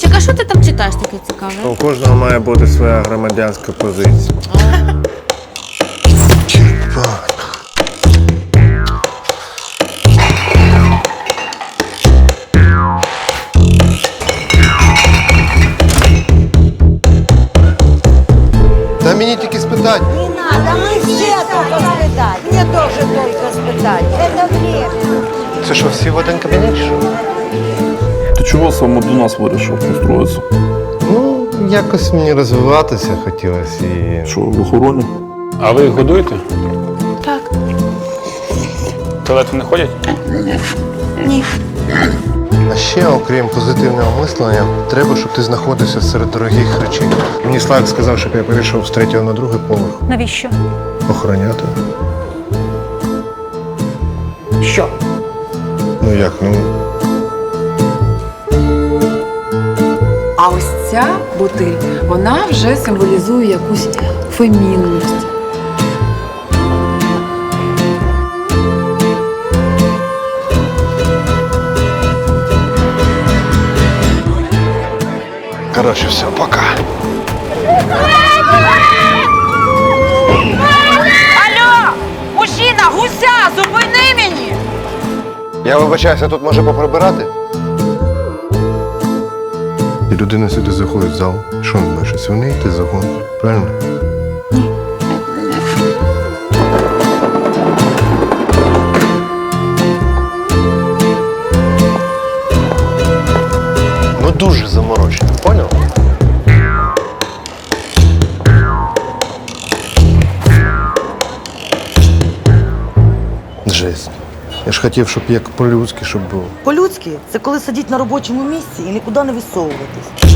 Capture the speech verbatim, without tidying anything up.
Андрійчик, а що ти там читаєш таке цікаве? У кожного має бути своя громадянська позиція. Та мені тільки спитати. Не надо, мы все только испытать. Мне тоже только испытать. Это время. Це що, всі в один кабінет чи що? Ти чого саме до нас вирішив устроїтися? Ну, якось мені розвиватися хотілося і. Що, в охороні? А ви їх годуєте? Так. В туалети не ходять? Ні. А ще, окрім позитивного мислення, треба, щоб ти знаходився серед дорогих речей. Мені Славік сказав, щоб я перейшов з третього на другий поверх. Навіщо? Охороняти. Що? Ну як, ну. А ось ця бутиль, вона вже символізує якусь фемінність. Коротше, все, пока. Алло! Мужчина, гуся, зупини мені! Я вибачаюся, тут може поприбирати? І людина сюди заходить в зал. Що він бачить? Свиней ти загон. Правильно? Ну дуже заморочено, поняв? Жесть. Я ж хотів, щоб як по-людськи, щоб було. По-людськи, це коли сидіть на робочому місці і нікуди не висовуватись.